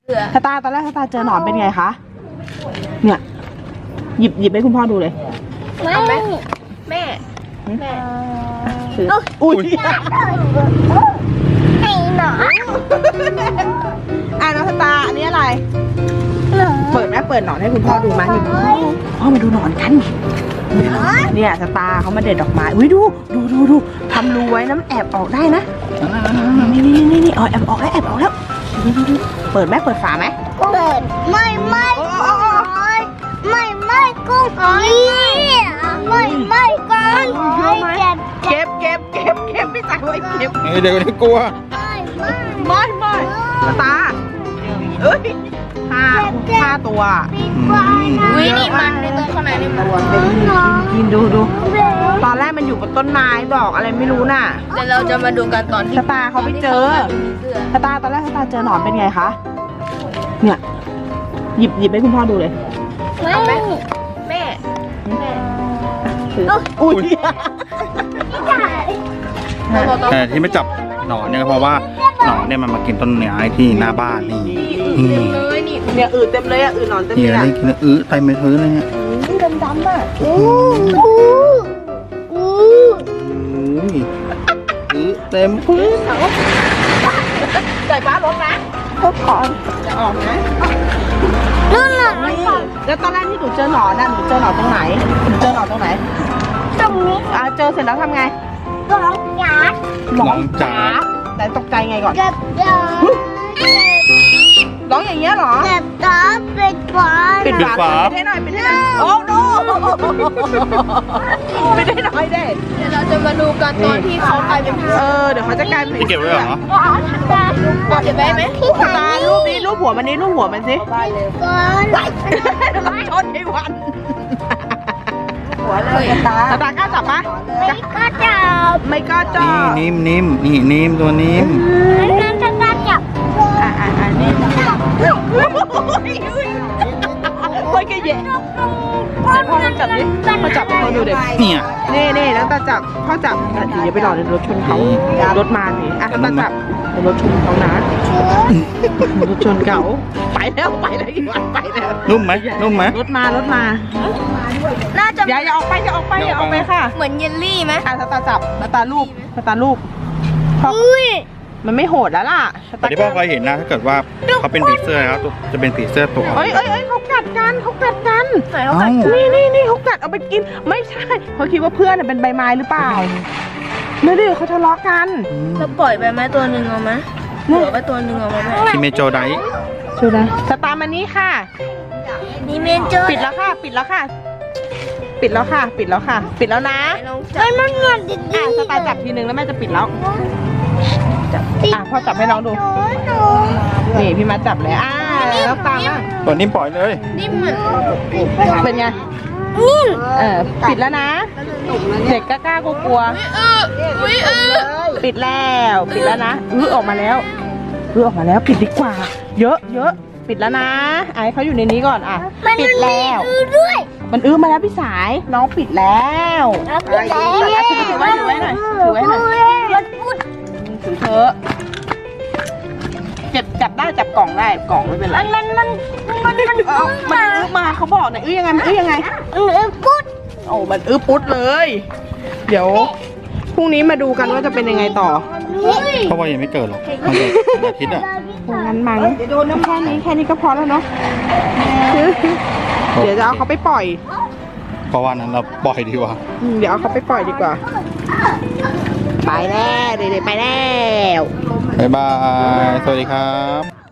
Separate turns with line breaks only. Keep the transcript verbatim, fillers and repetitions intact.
สตาร์ตอนแรกสตาร์เจอหนอนเป็นไงคะเนี่ยหยิบหยิบให้คุณพ่อดูเลย
ไม่แม่แม่แม่
อุ้ย
ไอ้หนอน
อ่ะน้องสตาร์อันนี้อะไรเปิดแม่เปิดหนอนให้คุณพ่อดูมานี่พ่อมาดูหนอนกันเนี่ยสตาร์เขามาเด็ดดอกไม้อุ้ยดูดูดูดูทำรูไว้น้ำแอบออกได้นะนี่นี่นี่นี่เอาแอบออกแล้วแอบออกแล้วดูดูดูเปิดแม่เปิดฝาไหม
เปิดไม่ไม่ไม่ไม่กุ้งไม่ไม่ก้อนเก็บ
เก็บเก็บเก็บเก็บไม่ใส่ไว้เก็บ
เฮ้ยเดี๋ยวนี้กลัว
ไม่ไม่
ไม่ไม่สตาร์เอ้ยห้าห้าตัว
วินี่มันในตัวข้างในนี่มัน
กินดูดูตอนแรกมันอยู่บนต้นไม้ดอกอะไรไม่รู้น่ะ
เดี๋ยวเราจะมาดูกันตอนที่
สตาร์เขาไปเจอสตาร์ตอนแรกสตาร์เจอหนอนเป็นไงคะเนี่ยหยิบหยิบให้คุณพ่อดูเลย
แม่แม่แม่
อุ้ย
แต่ที่ไม่จับหนอนเนี่ยก็เพราะว่าหนอนเนี่ยมันมากินต้นไม้ที่หน้าบ้านนี่นี่
เลยนี่
เนี่ยอืดเต็มเลยอ่ะอืดหนอนเต็ม
นี่
เลย
อะไร
อ่ะ
กินแล้วอื้อเต็มไปพื้นเลยเนี่ย
ดำดำอ่ะ
อู้อู้
อุ้ยอื้อเต็มพื้น
ใส่ฟ้าลงนะเขาถอนจะออกนะ
นู่นน่ะ
แล้วตอนแรกที่หนูเจอหนอนน่ะหนูเจอหนอนตรงไหนหนูเจอหนอนตรงไหน
ตรงนี้
อ่าเจอเสร็จแล้วทำไง
ร้องหยาด
น้องจ๋า
แต่ตกใจไงก่อน
เก็บยา
ร้องอย่างเงี้ยเหรอ
เก็บตาปิดฝา
ปิดฝาปิดให้หน่อยปิดให้หน่อยโอ้โนปิดให้หน่อยเด้
เดี๋ยวเราจะมาดูกันตอนที่เขากลายเป็นผี
เออเดี๋ยวเขาจะกลายเป็น
พี่เก็บไว้เหรอ
เก็บไว้ไหมพี่
ตารูปนี้รูปหัวมันนี้รูปหัวมันสิ
ก่อน
เราชนไอ้วันหัวเลยตาตากล้าจับปะ
ไม่ก็จับ
ไม่ก็จั
นี่
บ
นิ่มนิ่มนี่นิ่มตัวนิ่ม
นั่นจะจับจับ
อ่าอ่าอ่านี่โอ้ยแกเย่พ่อจับดิพ่อจับเขาดูเด็ก
เนี่ย
นี่นี่แล้วตาจับพ่อจับอ่ะอย่าไปหลอกในรถชนเขารถมาสิอ่ะตาจับในรถชนเขานะรถชนเขาไปแล้วไปแล้วอีกวันไปแล้ว
นุ่มไหมนุ่มไหม
รถมารถมา
น่าจะ
อย่าอย่าออกไปอย่าออกไปอย่าออกไปค่ะ
เหมือนเยลลี่ไหม
อ่ะตาจับตาลูบตาลูบพ่อ
อุ้ย
มันไม่โหดแล้วล่ะ
แต่ที่พ่อเคยเห็นนะถ้าเกิดว่าเขาเป็นผีเสื้อแล้วจะเป็นผีเสื้อตัว
เอ้ยเอ้ยเอ้ยเขากัดกันเขากัดกัน
ไหนเขากัด
นี่นี่นี่เขากัดเอาไปกินไม่ใช่เขาคิดว่าเพื่อนเป็นใบไม้หรือเปล่าไม่ดิเขาทะเลาะกัน
จะปล่อยไปไหมตัวหนึ่งเอาไหมเหลือไปตัวหนึ่งเอาไหม
คิเมโจได
ช่วยได้สตาร์มานี้ค่ะ
นี่เมนเจอร์
ปิดแล้วค่ะ ปิดแล้วค่ะ ปิดแล้วค่ะ ปิดแล้วค่ะ ปิดแล้วนะ
ไอ้มันเงินดิ
อ่ะสตาร์จับทีนึงแล้วแม่จะปิดแล้วจับอ่ะพ่อจับให้น้องดู
หนู
นี่พี่มาจับเลยอ่าแล้วตามอ่ะ
ตัวนิ่มปล่อยเลย
นี่เหมือน
เป็นไง
นิ่ม
เออปิดแล้วนะ เด็กกล้ากลัว
เอออุ้ยเออ
ๆปิดแล้วปิดแล้วนะอื้อออกมาแล้วอื้อออกมาแล้วปิดดีกว่า เยอะเยอะปิดแล้วนะไอ้เขาอยู่ในนี้ก่อนอ่ะปิดแล้ว
ด้วย
มันอื้อมาแล้วพี่สายน้องปิดแล้ว
ปิดแล้ว
ถือไว้ถือไว้หน่อยถือไว้หน่อย
มันพูด
ถือเถอะจับจับได้จับกล่องได้กล่องไม่เป็นไร
มันมันมันมันมัน
เอามันอื้อมาเขาบอกหน่อยอื้อยังไงมันอื้อยังไง
มันพูด
โอ้มันอื้อปุ๊ดเลย เดี๋ยวพรุ่งนี้มาดูกันว่าจะเป็นยังไงต่อ
เพราะว่ายังไม่เกิดหรอกมันเกิดวันอาทิตย์อ่ะ
งั้นมั้งแค่นี้แค่นี้ก็พอแล้วเนาะเดี๋ยวจะเอาเขาไปปล่อย
เพราะว่านั้นเราปล่อยดีกว่า
อืมเดี๋ยวเอาเขาไปปล่อยดีกว่า ไปแล้วเด็กๆไปแล้ว
บ๊ายบาย สวัสดีครับ